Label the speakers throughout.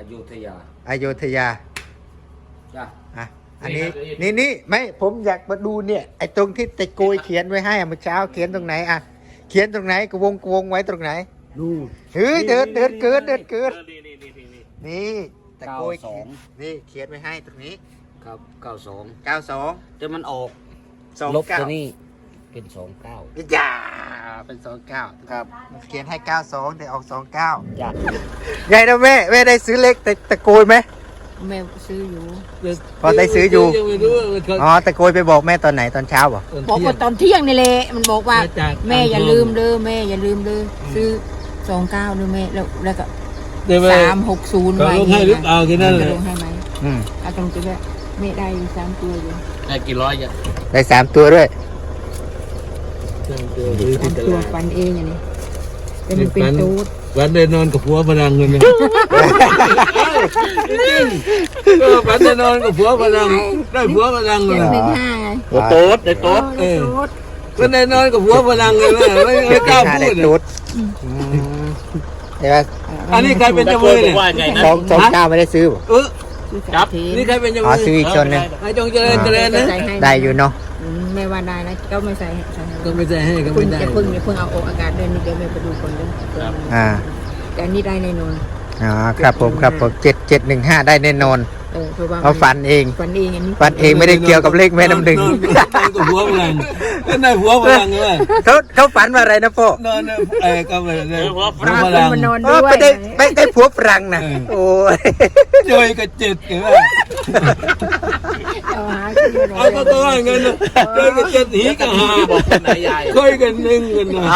Speaker 1: ยุธยา
Speaker 2: อโยธยา
Speaker 1: จ้ะ
Speaker 2: อ่ะอันนี้นี่ไม่ผมอยากมาดูเนี่ยไอ้ตรงที่ตะโกยเขียนไว้ให้เมื่อเช้าเขียนตรงไหนอ่ะเขียนตรงไหนกระวงไว้ตรงไหน
Speaker 1: นู่น
Speaker 2: เฮ้ยเดินเกินนี่ตะโกย
Speaker 1: 92
Speaker 2: นี่เขียนไว้ให้ตรงนี้
Speaker 1: ครับ92
Speaker 2: 92
Speaker 1: แต่มันออก
Speaker 2: 29
Speaker 1: ลบตัวนี้เป็น29
Speaker 2: อย่าเป็น29ครับเขียนให้92แต่ออก29
Speaker 1: จ้ะ
Speaker 2: ไงนะแม่ได้ซื้อเล็กแต่ตะโกยไหม
Speaker 3: แม่ซื้ออยู่
Speaker 2: พอได้ซื้ออยู่
Speaker 4: ยังไม่รู้ว่าเขา
Speaker 2: อ๋อตะโกยไปบอกแม่ตอนไหนตอนเช้าเหรอ
Speaker 3: บอกว่าตอนเที่ยงนี่แหละมันบอกว่า
Speaker 4: มาจาก
Speaker 3: แม่อย่าลืมเด้อแม่อย่าลืมเด้อซื้อ29ด้วยแม่แล้วก็
Speaker 4: เดี๋ยวไป
Speaker 3: 360
Speaker 4: เขา
Speaker 3: ไว้
Speaker 4: ลงให้หรือเปล่าแค่นั้นแหละ
Speaker 3: ลงให้ไหม
Speaker 2: อืม
Speaker 3: เอาตรงตัวด้วยแม่ได้อยู่3ตัวอยู่
Speaker 1: ได้กี่ร้อยจ้ะ
Speaker 2: ได้3ตัวด้วย
Speaker 3: 3ตัวฟันเองอย่างนี้แต่มันเป็นตูด
Speaker 4: วันได้นอนกับผัวพลังเงินนะจริงๆก็วันได้นอนกับผัวพลังได้ผัวพลังเลย
Speaker 3: 715ไง
Speaker 1: โอ้โต๊ดได้โต๊ด
Speaker 3: เออตูด
Speaker 4: วันได้นอนกับผัวพลังเลยไม่กล้าพู
Speaker 2: ได้
Speaker 4: ด
Speaker 2: ตูดเดี๋ยว
Speaker 4: อันนี้ใครเป็นเจ้ามือเนี่ย
Speaker 1: ว่าไงนะ
Speaker 2: 29ไม่ได้ซื้อป่ะ
Speaker 1: ครับ
Speaker 4: นี่ใครเป็นเจ้า
Speaker 2: อ๋อ
Speaker 4: มือ
Speaker 2: ซื้ออีกชนหนึง
Speaker 4: ไอ้จงเจริญเจริญนะ
Speaker 2: ได้อยู่เนาะ
Speaker 3: แม่ว่าได้นะก็ไม่ใส่ให้
Speaker 4: ก็ไม่ใจให้ก็
Speaker 3: คุ
Speaker 4: ไม่
Speaker 3: ณ
Speaker 4: ได้
Speaker 3: จะเพิ่งเอาออกอากาศเดือนนี้เดี๋ยวแม่ไปดูคนเด้อ
Speaker 2: อ่า
Speaker 3: แต่อันนี้ได้แน่นอน
Speaker 2: อ๋อครับผม7715ได้แน่นอน
Speaker 3: เพราะว่า
Speaker 2: เอาฟันเอง
Speaker 3: ฟันเองอันนี้
Speaker 2: ฟันเองไม่ได้เกี่ยวกับเลขแม่น้ำหนึ่ง
Speaker 4: นอนกับผัวพลังก็ได้ผัวพลังเลย
Speaker 2: เขาฝันว่าอะไรนะพ่อน
Speaker 4: อนก็ไปเลยผัวพ
Speaker 3: พา
Speaker 4: ลัง
Speaker 3: มานอน
Speaker 2: อ๋
Speaker 3: ด้
Speaker 2: อ
Speaker 3: วย
Speaker 2: ไม่ได้ผัวฝรั่งนะโอ้ย
Speaker 4: จอยกับเจ็ดกันว่า
Speaker 3: เอาหาขึ้นมานอน
Speaker 4: เอาก็ตัวเงินจอยกับเจ็ดหีกับหา
Speaker 1: บอกคนไหนยาย
Speaker 4: ค่อยกันหนึ่งกันนะ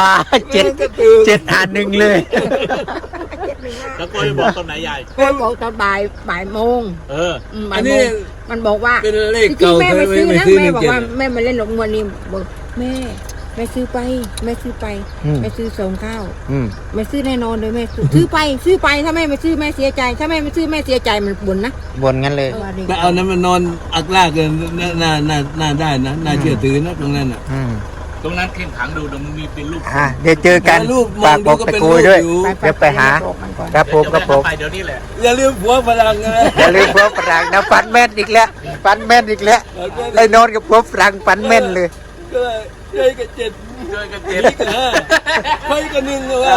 Speaker 2: 771เลย
Speaker 1: แล้วก็จะบอกคนไหนยาย
Speaker 3: ก็บอกตอนบ่ายโมง
Speaker 1: เออ
Speaker 3: บ่า
Speaker 4: อั
Speaker 3: ย
Speaker 4: น
Speaker 3: โม
Speaker 4: นี้
Speaker 3: งมันบอกว่า
Speaker 4: เป็นเลข
Speaker 3: จริง
Speaker 4: เก่า
Speaker 3: ๆแม่
Speaker 4: เค
Speaker 3: ไม่
Speaker 4: ย
Speaker 3: ซื้อ
Speaker 4: ไม่
Speaker 3: นะ
Speaker 4: ซื้อห
Speaker 3: แม่
Speaker 4: นึ่ง
Speaker 3: บอก
Speaker 4: เจ็ด
Speaker 3: ว่าแม่มาเล่นลงวันนี้บอกแม่ซื้อไปแม่ซื้อไปแม่ซื้อ29แม่ซื้อแน่นอนเลยแม่ซื้อไปถ้าแม่ไม่ซื้อแม่เสียใจ ถ้าแม่ไม่ซื้อแม่เสียใจมันบ่นนะ
Speaker 2: บ่นงั้นเลย
Speaker 4: แต่เอานั้นมันนอนอักลากกันน่าได้นะน่าเชื่อถือนะตรงนั้นอ่ะ
Speaker 1: ตรงนั้นเข้มขังดูเดี๋ยวมันมีเป็นรูป
Speaker 2: เดี๋ยวเจอกัน
Speaker 4: รูปม
Speaker 2: ฝา
Speaker 4: อก ง
Speaker 2: บ
Speaker 4: ดู
Speaker 2: อก
Speaker 4: ก็
Speaker 2: ตะ
Speaker 4: เป็น
Speaker 2: โก
Speaker 4: รู
Speaker 2: ย
Speaker 4: ป
Speaker 2: ด้วย
Speaker 4: อยู่
Speaker 2: เดี๋ยวไปหาครับผมครับผม
Speaker 1: ไปเดี๋ยวนี้แหละ
Speaker 4: อย่าลืมผัวพลังนะ
Speaker 2: อย่าลืมผัวฝรั่งนะฟันแม่นอีกแล้วฟันแม่นอีกแล้วได้นอนกับผัวฝรั่งฟันแม่นเลย
Speaker 4: ก็จอยกับเจ็ด
Speaker 1: เจอกัน
Speaker 4: หี
Speaker 1: เจ็ด
Speaker 4: กับห้าค่อยกันหนึ่งเลยว่า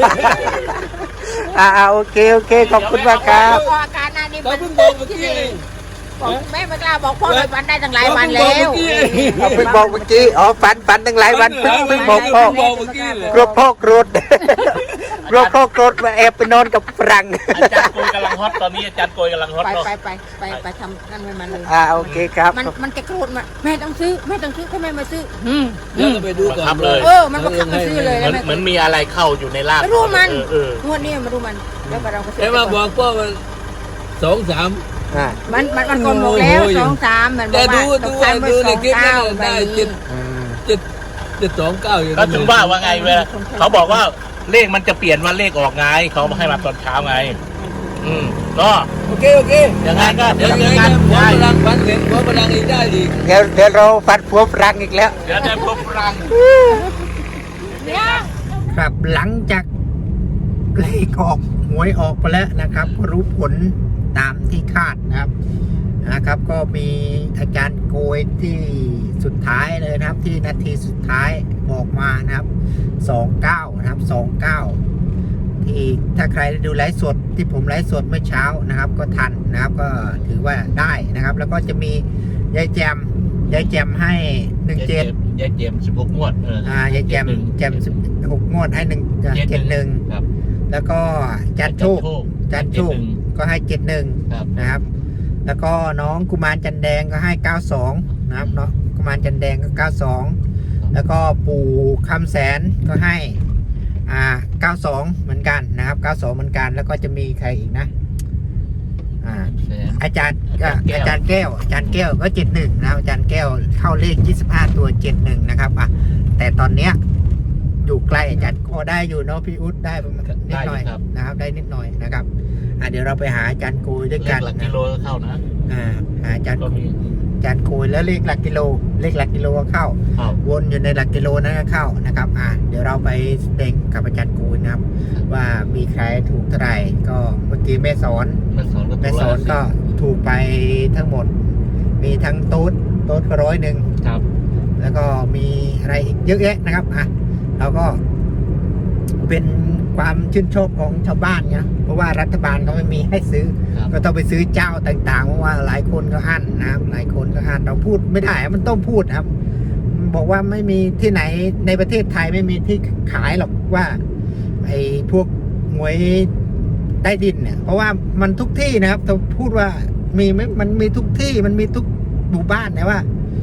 Speaker 2: โอเคขอบคุณมากครับ
Speaker 3: ออกอาการนะนี่
Speaker 4: เขาเพิ่งบอกเมื่อกี้เอง
Speaker 3: บอกแม่ไม่กล้าบอกพ่อเลยวันได้ตั้งหลายวันแล้ว
Speaker 2: เอาเพิ่งบอกเมื่อกี้ฝันตั้งหลายวันเพิ่งบอกพ่อ
Speaker 4: บอกเมื่อกี้เลย
Speaker 2: กลัวพ่อโกรธกลัวพ่อโกรธมาแอบไปนอนกับฝรั่ง
Speaker 1: อาจารย์โกยกำลังฮอตตอนนี้อาจารย์โกยกำลังฮอตเนาะ
Speaker 3: ไปทำนั่นมันเลย
Speaker 2: โอเคครับ
Speaker 3: มันจะโกรธมาแม่ต้องซื้อถ้าแม่มาซื้อ
Speaker 4: เดี๋ยวเราไปดูก่อน
Speaker 3: มันก็ขับมาซื้อเลย
Speaker 1: เหมือนมีอะไรเข้าอยู่ในร่าง
Speaker 3: ไม่รู้มัน
Speaker 1: เออ
Speaker 3: งวดนี้มารู้มันแล้วเราก็ซื้
Speaker 4: ไอ้มาบอกพ่อมัน2-3
Speaker 3: มันกลมหมดแล้ว2-3มันบอกว่า
Speaker 4: ดูในคลิปนั้นได้
Speaker 3: 7
Speaker 4: 729อยู่
Speaker 1: ก็ถึงว่าไงเวลาเขาบอกว่าเลขมันจะเปลี่ยนวันเลขออกไงเขาให้มาตอนเช้าไงก็
Speaker 4: โอเค
Speaker 1: ยังไงก็
Speaker 4: เดี๋
Speaker 1: เดี๋
Speaker 4: ย
Speaker 1: ยว ว
Speaker 4: ยั
Speaker 1: ยัง ง
Speaker 4: ไง
Speaker 1: ไง
Speaker 4: ผัวพลังฝันเห็นผัวพลังอีกได้อีก
Speaker 2: เดี๋ยวเราฟันผัวฝรั่งอีกแล้ว
Speaker 1: เดี๋ยวได้พบรัง
Speaker 2: ครับหลังจากเลขออกหวยออกไปแล้วนะครับก็รู้ผลตามที่คาดนะครับก็มีอาจารย์โกยที่สุดท้ายเลยนะครับที่นาทีสุดท้ายบอกมานะครับ29นะครับ29ที่ถ้าใครได้ดูไลฟ์สดที่ผมไลฟ์สดเมื่อเช้านะครับก็ทันนะครับก็ถือว่าได้นะครับแล้วก็จะมียายแจมให้17
Speaker 1: ยายเจม16งวด
Speaker 2: ยายแจม16งวดให้71
Speaker 1: ครับ
Speaker 2: แล้วก็จันโชคก็ให้71นะครับแล้วก็น้องกุมารจันแดงก็ให้92นะครับเนาะกุมารจันแดงก็92แล้วก็ปู่คำแสนก็ให้92เหมือนกันนะครับ92เหมือนกันแล้วก็จะมีใครอีกนะอาจารย์แก้วก็71นะครับอาจารย์แก้วเข้าเลข25ตัว71นะครับแต่ตอนเนี้ยอยู่ใกล้อาจารย์ก็ได้อยู่เนาะพี่อุ๊ดได้ประมาณนิดหน่อยนะครับได้นิดหน่อยนะครับเดี๋ยวเราไปหาอาจารย์โกยด้วยกัน
Speaker 1: หลักกิโลเข้านะ
Speaker 2: หาอาจารย์
Speaker 1: ก็มี
Speaker 2: อาจารย์โกยแล้วเลขหลักกิโลก็เข้า
Speaker 1: ครับ
Speaker 2: วนอยู่ในหลักกิโลนั้นก็เข้านะครับเดี๋ยวเราไปเด้งกับอาจารย์โกยนะครับ ว่ามีใครถูกเท่าไหร่ก็เมื่อกี้แม่สอน
Speaker 1: แม่สอนก็
Speaker 2: แม่สอนก็ถูกไปทั้งหมด มีทั้งโต๊ดก็100
Speaker 1: ครับ
Speaker 2: แล้วก็มีอะไรอีกเยอะแยะนะครับเราก็เป็นความชื่นชอบของชาวบ้านนะเพราะว่ารัฐบาลเขาไม่มีให้ซื้อ
Speaker 1: ครับ
Speaker 2: ก็ต้องไปซื้อเจ้าต่างๆเพราะว่าหลายคนก็อั้นนะครับหลายคนก็อั้นเราพูดไม่ได้มันต้องพูดครับ บอกว่าไม่มีที่ไหนในประเทศไทยไม่มีที่ขายหรอกว่าไอ้พวกหวยใต้ดินเนี่ยเพราะว่ามันทุกที่นะครับต้องพูดว่ามีไหมมันมีทุกที่มันมีทุกหมู่บ้านนะว่า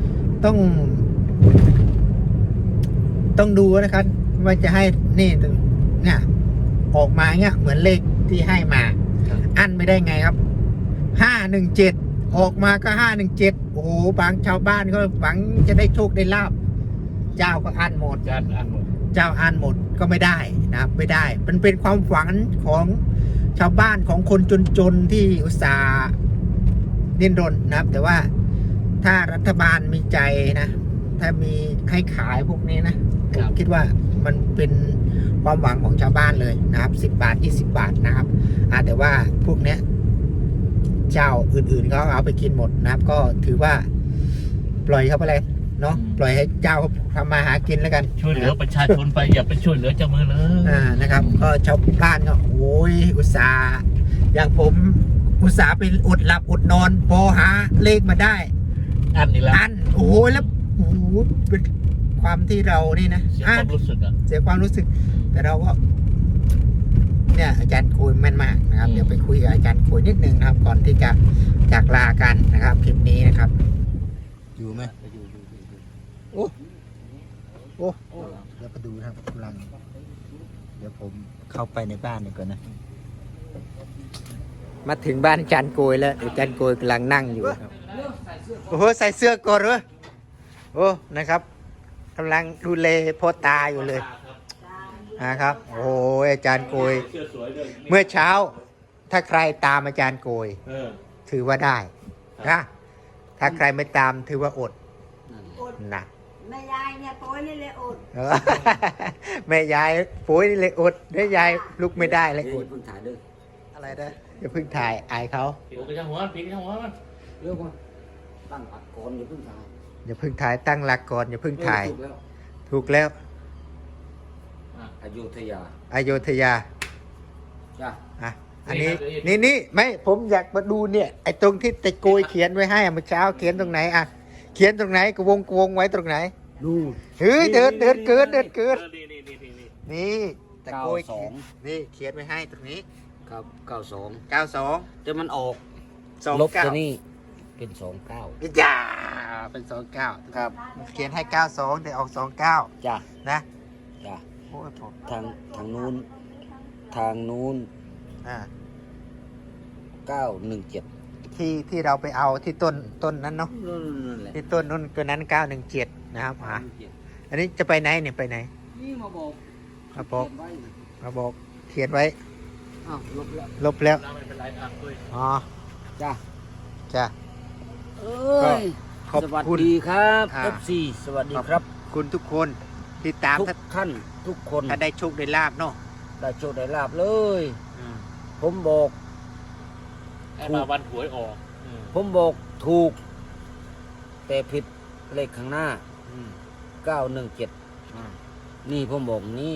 Speaker 2: ต้องดูนะครับว่าจะให้นี่เนี่ยออกมาเนี่ยเหมือนเลขที่ให้มา อันไม่ได้ไงครับ517ออกมาก็517โอ้โหบางชาวบ้านก็หวังจะได้โชคได้ลาบเจ้าก็อันหมด
Speaker 1: อาจารย์อ่านหมด
Speaker 2: เจ้าอันหมดก็ไม่ได้นะครับไม่ได้มันเป็นความหวังของชาวบ้านของคนจนๆที่อุตส่าห์ดิ้นรนนะครับ แต่ว่าถ้ารัฐบาลมีใจนะถ้ามีให้ขายพวกนี้นะผมคิดว่ามันเป็นความหวังของชาวบ้านเลยนะครับ10 บาท 20 บาทนะครับแต่ว่าพวกเนี้ยเจ้าอื่นๆเขาเอาไปกินหมดนะครับ ก็ถือว่าปล่อยเขาไปเลยเนาะปล่อยให้เจ้าทำมาหากินแล้วกัน
Speaker 1: ช่วยเหลือประชาชนไปอย่าไปช่วยเหลือเจ้ามือเลย
Speaker 2: นะครับ ก็ชาวบ้านก็โอ้ยอุตส่าห์อย่างผมอุตส่าห์ไปอดหลับอดนอนพอหาเลขมาได้
Speaker 1: อันนี้แล้ว
Speaker 2: อันโอ้โหแล้วโอ้โหเป็นความที่เรานี่นะ
Speaker 1: เสียความรู้สึกอ่ะ
Speaker 2: เสียความรู้สึก แต่เราก็เนี่ยอาจารย์คุยแม่นมากนะครับ
Speaker 1: อืม
Speaker 2: เดี๋ยวไปคุยกับอาจารย์คุยนิดนึงนะครับ ก่อนที่จะจากลากันนะครับคลิปนี้นะครับ อยู่ไหมโอ้โอ้เดี๋ยวไปดูนะครับกำลังเดี๋ยวผมเข้าไปในบ้านดีกว่านะ มาถึงบ้านอาจารย์โกยแล้วอาจารย์โกยกำลังนั่งอยู่ครับโอ้โหใส่เสื้อก่อนเหรอโอ้นะครับกำลังดูแลพ่อตาอยู่เลยนะครับโอ้โหอาจารย์โกย
Speaker 1: เสื้อสวยด้วย
Speaker 2: เมื่อเช้าถ้าใครตามอาจารย์โกย ถือว่าได้นะถ้าใครไม่ตามถือว่าอดนะ
Speaker 3: แม่ยายเนี่ยโป้ยนี่เลยอด
Speaker 2: เออ แม่ยายปุ้ยนี่เลยอดแม่ยายลุกไม่ได้เลยอด
Speaker 5: เพิ่งถ่ายด้วย
Speaker 2: อะไรนะอย่าเพิ่งถ่ายอายเขา
Speaker 1: ผิวกระชังหัวผิวกระชังหัวมัน
Speaker 5: เรื่องว่าตั้งอัดก่อนอย่าเพิ่งถ่าย
Speaker 2: อย่าเพิ่งถ่ายตั้งหลักก่อนอย่าเพิ่งถ่าย
Speaker 5: ถูกแล้ว
Speaker 2: ถูกแล้ว
Speaker 5: อยุธยา
Speaker 2: อโยธยา
Speaker 5: จ้ะ
Speaker 2: อ่ะอันนี้นี่ไม่ผมอยากมาดูเนี่ยไอ้ตรงที่ตะโกยเขียนไว้ให้เมื่อเช้าเขียนตรงไหนอ่ะเขียนตรงไหนกวงไว้ตรงไหน
Speaker 5: นู่น
Speaker 2: เฮ้ยเดินเกิน
Speaker 1: นี่
Speaker 2: นี่ตะโกยเขียนนี่เขียนไว้ให้ตรงนี้
Speaker 5: ครับ92
Speaker 2: 92
Speaker 5: แต่มันออก
Speaker 2: 29
Speaker 5: ลบตัวนี้เป็น29
Speaker 2: จ้าเป็น29ครับเขียนให้92แต่ออก29
Speaker 5: จ้ะ
Speaker 2: นะ
Speaker 5: จ้ะ
Speaker 2: โอ้ยผม
Speaker 5: ทางนู้น
Speaker 2: อ่า
Speaker 5: 917
Speaker 2: ที่เราไปเอาที่ต้นนั้นเนาะ
Speaker 5: นั่นแหละ
Speaker 2: ที่ต้นนู้นตัวนั้น917นะครับอันนี้จะไปไหนเนี่ยไปไหน
Speaker 5: นี่มาบอก
Speaker 2: มาบอก
Speaker 5: เขียนไว้
Speaker 2: มาบอกเขียนไว้
Speaker 5: อ้าวลบแล้ว
Speaker 2: ลบแล้ว
Speaker 1: เราไม่เป็นไรอ่ะคุย
Speaker 2: อ๋อ
Speaker 5: จ้ะ
Speaker 2: จ้ะ
Speaker 5: เอ้ย
Speaker 2: ขอบ
Speaker 5: สวัส
Speaker 2: คุณ
Speaker 5: ดีครับ
Speaker 2: อ่า
Speaker 5: FC สวัสดีครับ
Speaker 2: คุณทุกคนที่ตาม
Speaker 5: ทุกท่านทุกคน
Speaker 2: ถ้าได้โชคได้ลาบเนาะ
Speaker 5: ได้โชคได้ลาบเลย ผมบอก
Speaker 1: ให้มาวันหวยออก
Speaker 5: ผมบอกถูก แต่ผิดเลขข้างหน้า 917 นี่ผมบอกนี่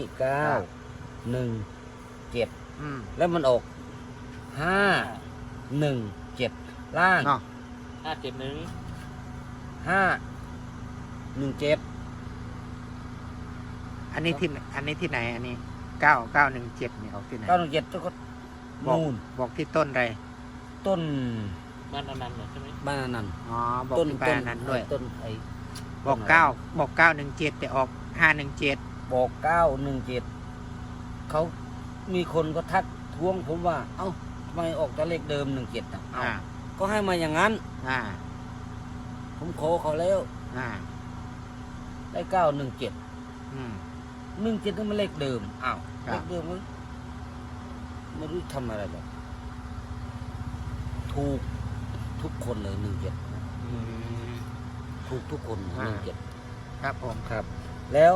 Speaker 5: 917 แล้วมันออก 517 ล่าง
Speaker 2: เนาะ
Speaker 1: 571
Speaker 5: 517
Speaker 2: อันนี้ที่ไหนอันนี้9917เนี่ยออกที่ไหน
Speaker 5: 917ก็
Speaker 2: บอก
Speaker 5: นู่น
Speaker 2: บอกที่ต้นอะไร
Speaker 5: ต้น
Speaker 1: บ้านอนันต์เหรอใช่ไหม
Speaker 5: บ้านอนันต์
Speaker 2: อ๋อบอก
Speaker 5: ต้น
Speaker 2: ที่บ้านนั้นด้วย
Speaker 5: ต้นไอ้
Speaker 2: บอก917แต่ออก517
Speaker 5: บอก 917 เขามีคนก็ทักท้วงผมว่า เอ้าทำไมออกแต่เลขเดิม 17อ่ะเอ้าก็ให้มาอย่างนั้น
Speaker 2: อ่า
Speaker 5: ผมขอเขาแล้ว
Speaker 2: อ่า
Speaker 5: ได้ 917
Speaker 2: อืม
Speaker 5: 17นั่นมันเลขเดิม อ้าว
Speaker 2: ครั
Speaker 5: เล
Speaker 2: บ
Speaker 5: ขเดิมมันไม่รู้ทำอะไรหรอกถูกทุกคนเลย17
Speaker 2: อืม
Speaker 5: ถูกทุกคน
Speaker 2: อ่า
Speaker 5: 17
Speaker 2: ครับผม
Speaker 5: ครับ แล้ว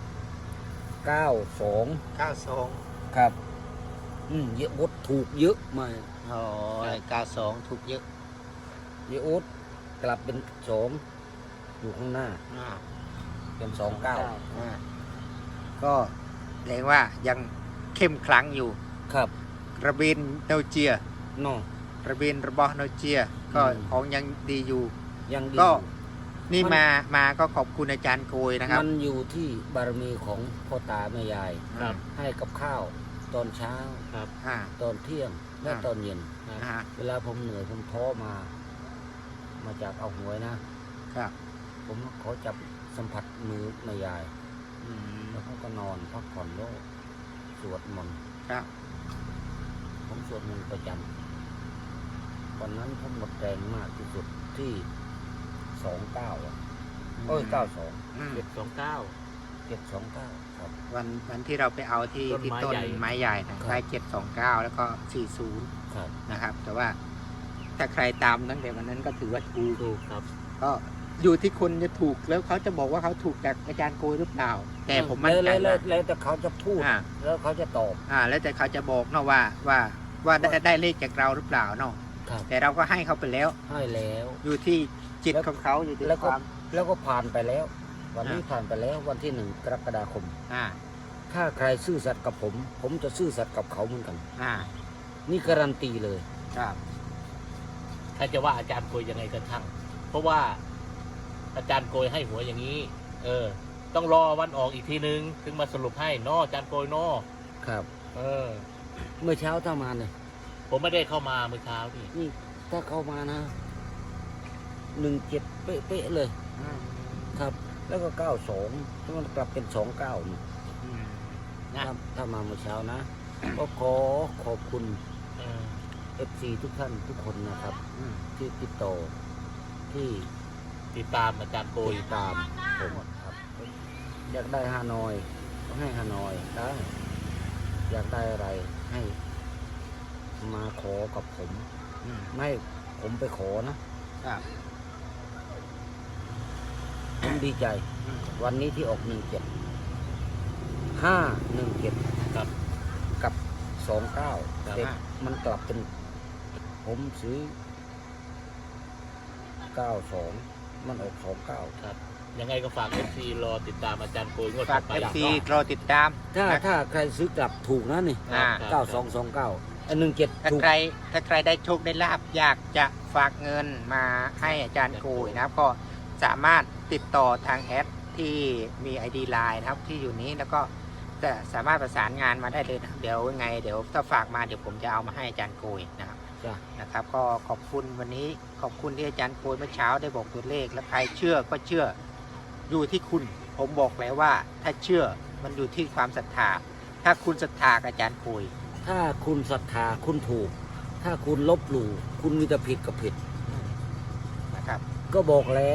Speaker 5: 92
Speaker 2: 92
Speaker 5: ครับเยอะโอ๊ตถูกเยอะมาก
Speaker 2: โอ้ย92ถูกเยอะ
Speaker 5: เยอะโอ๊ตกลับเป็น2อยู่ข้างหน้า
Speaker 2: อ่า
Speaker 5: เป็น29
Speaker 2: อ่าก็แสดงว่ายังเข้มขลังอยู่
Speaker 5: ครับ
Speaker 2: ระเบินโนเจีย
Speaker 5: เนาะ
Speaker 2: ระเบินระบอโนเจีย ก็
Speaker 5: อืม
Speaker 2: ของยังดีอยู่
Speaker 5: ยังดี
Speaker 2: ก็
Speaker 5: อยู่
Speaker 2: นี่
Speaker 5: มัน
Speaker 2: มาก็ขอบคุณอาจารย์โกยนะครับ
Speaker 5: มันอยู่ที่บารมีของพ่อตาแม่ยาย
Speaker 1: ครับ
Speaker 5: ให้กับข้าวตอนเช้า
Speaker 1: ครับ
Speaker 2: อ่า
Speaker 5: ตอนเที่ยงและ
Speaker 2: อ่า
Speaker 5: ตอนเย็น
Speaker 2: นะฮะ
Speaker 5: เวลาผมเหนื่อยผมท้อมาจากเอาหวยนะ
Speaker 2: ครับ
Speaker 5: ผมขอจับสัมผัสมือแม่ยาย
Speaker 2: อืม
Speaker 5: แล้วเขาก็นอนพักผ่อนโลกสวดมนต์
Speaker 2: ครับ
Speaker 5: ผมสวดมนต์ประจำวันนั้นผมหมดแรงมากที่สุดที่29อ่ะ92
Speaker 2: อืม
Speaker 1: 729
Speaker 5: 729ครับ
Speaker 2: วันที่เราไปเอาที่
Speaker 1: ต้น
Speaker 2: ที่
Speaker 1: ไม้
Speaker 2: ต้น
Speaker 1: ใหญ่
Speaker 2: ไม้ใหญ่นะครับ ได้729 แล้วก็ 40
Speaker 5: ครับ
Speaker 2: นะครับ แต่ว่าถ้าใครตามตั้งแต่วันนั้นก็ถือว่าถูก
Speaker 1: ถูกครับ
Speaker 2: ก็อยู่ที่คนจะถูกแล้วเขาจะบอกว่าเขาถูกจากอาจารย์โกยหรือเปล่า แต่ผมมั่นใจ
Speaker 5: แล้ว
Speaker 2: ว่า
Speaker 5: แล้วแต่เขาจะพูด
Speaker 2: อ่า
Speaker 5: แล้วเขาจะตอบ
Speaker 2: แล้วแต่เขาจะบอกเนาะว่าได้เลขจากเราหรือเปล่าเนาะ
Speaker 5: ครับ
Speaker 2: แต่เราก็ให้เขาไปแล้ว
Speaker 5: ให้แล้ว
Speaker 2: อยู่ที่จิตของเขาอยู่ที่
Speaker 5: แล้ว
Speaker 2: ค
Speaker 5: ก็
Speaker 2: วาม
Speaker 5: แล้วก็ผ่านไปแล้ว วันนี้
Speaker 2: อ่า
Speaker 5: ผ่านไปแล้ววันที่1 กรกฎาคม
Speaker 2: อ่า
Speaker 5: ถ้าใครซื่อสัตย์กับผม ผมจะซื่อสัตย์กับเขาเหมือนกัน
Speaker 2: อ่า
Speaker 5: นี่การันตีเลย
Speaker 2: ครับ
Speaker 1: ใครจะว่าอาจารย์โกยยังไงก็ช่าง เพราะว่าอาจารย์โกยให้หัวอย่างนี้ ต้องรอวันออกอีกทีนึงถึงมาสรุปให้นออาจารย์โกยนอ
Speaker 5: ครับ
Speaker 1: เออ
Speaker 5: เมื่อเช้าถ้ามาเนี่ย
Speaker 1: ผมไม่ได้เข้ามาเมื่อเช้านี่
Speaker 5: นี่ถ้าเข้ามานะ17เป๊ะๆเลย
Speaker 2: อืม
Speaker 5: ครับ แล้วก็92ถ้ามันกลับเป็น29นี่
Speaker 2: อืมนะ
Speaker 5: ถ้ามาเมื่อเช้านะ ก็ขอขอบคุณ
Speaker 1: เออ
Speaker 5: FC ทุกท่านทุกคนนะครับ
Speaker 2: อืม
Speaker 5: ที่ติดต่อที่
Speaker 1: ติดตามอาจารย์โกย
Speaker 5: ติดตามผมครับ อยากได้ฮานอยก็ให้ฮานอยได้ อยากได้อะไรให้มาขอกับผม
Speaker 2: อืม
Speaker 5: ไม่ให้ผมไปขอนะครับ ผมดีใจ
Speaker 2: อืม
Speaker 5: วันนี้ที่ออก17 517
Speaker 1: ครับ
Speaker 5: กับ29
Speaker 1: ครับ
Speaker 5: แต่มันกลับเป็น ผมซื้อ 92 มันออก29
Speaker 1: ครับ ยังไงก็ฝาก FC รอติดตามอาจารย์โกยงวด
Speaker 2: ฝา
Speaker 1: ต่
Speaker 2: ก
Speaker 1: อไป
Speaker 2: FC รอติดตาม
Speaker 5: ถ้าใครซื้อกลับถูกนะนี่
Speaker 2: อ่า
Speaker 1: ครับ
Speaker 5: 9229 อัน17
Speaker 2: ถ้า
Speaker 5: ถูก
Speaker 2: ใครได้โชคได้ลาบอยากจะฝากเงินมาให้อาจารย์โกยนะครับ ก็สามารถติดต่อทางแอดที่มี ID Line นะครับที่อยู่นี้แล้วก็จะสามารถประสานงานมาได้เลยนะครับเดี๋ยวยังไงเดี๋ยวถ้าฝากมาเดี๋ยวผมจะเอามาให้อาจารย์โกยนะครับ
Speaker 5: จ้ะ
Speaker 2: นะครับ ก็ขอบคุณวันนี้ขอบคุณที่อาจารย์โกยเมื่อเช้าได้บอกตัวเลข และใครเชื่อก็เชื่ออยู่ที่คุณ ผมบอกแล้วว่าถ้าเชื่อมันอยู่ที่ความศรัทธาถ้าคุณศรัทธากับอาจารย์โกย
Speaker 5: ถ้าคุณศรัทธาคุณถูก ถ้าคุณลบหลู่คุณมีแต่ผิดกับผิด
Speaker 2: นะครับ
Speaker 5: ก็บอกแล้ว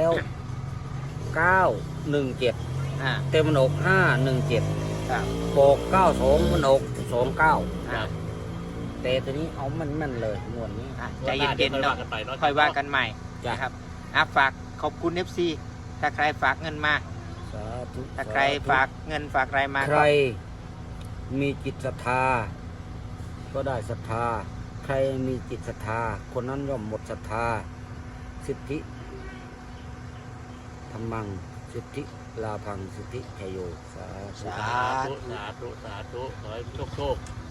Speaker 5: 917
Speaker 2: อ่า
Speaker 5: แต่มันออก517
Speaker 2: ครับ
Speaker 5: บอก92มันออก29
Speaker 1: ครับ
Speaker 5: แต่ตัวนี้เอามันเลยงวดนี้
Speaker 2: ใจเย็นๆ
Speaker 1: ค่อย
Speaker 2: เนาะ
Speaker 1: ว่ากันไปเนาะ
Speaker 2: ค่อยว่ากันใหม่
Speaker 5: จ้ะ
Speaker 2: นะครับฝากขอบคุณ FC ถ้าใครฝากเงินมา
Speaker 5: สาธุ
Speaker 2: ถ้าใครฝากเงินฝากอะไรมา
Speaker 5: ใครมีจิตศรัทธา ก็ได้ศรัทธา ใครมีจิตศรัทธา คนนั้นย่อมหมดศรัทธา สิทธิธรรมัง สิทธิลาพัง สิทธิชยโย สาธุ
Speaker 1: สาธุ สาธุ สาธุ ขอให้โชค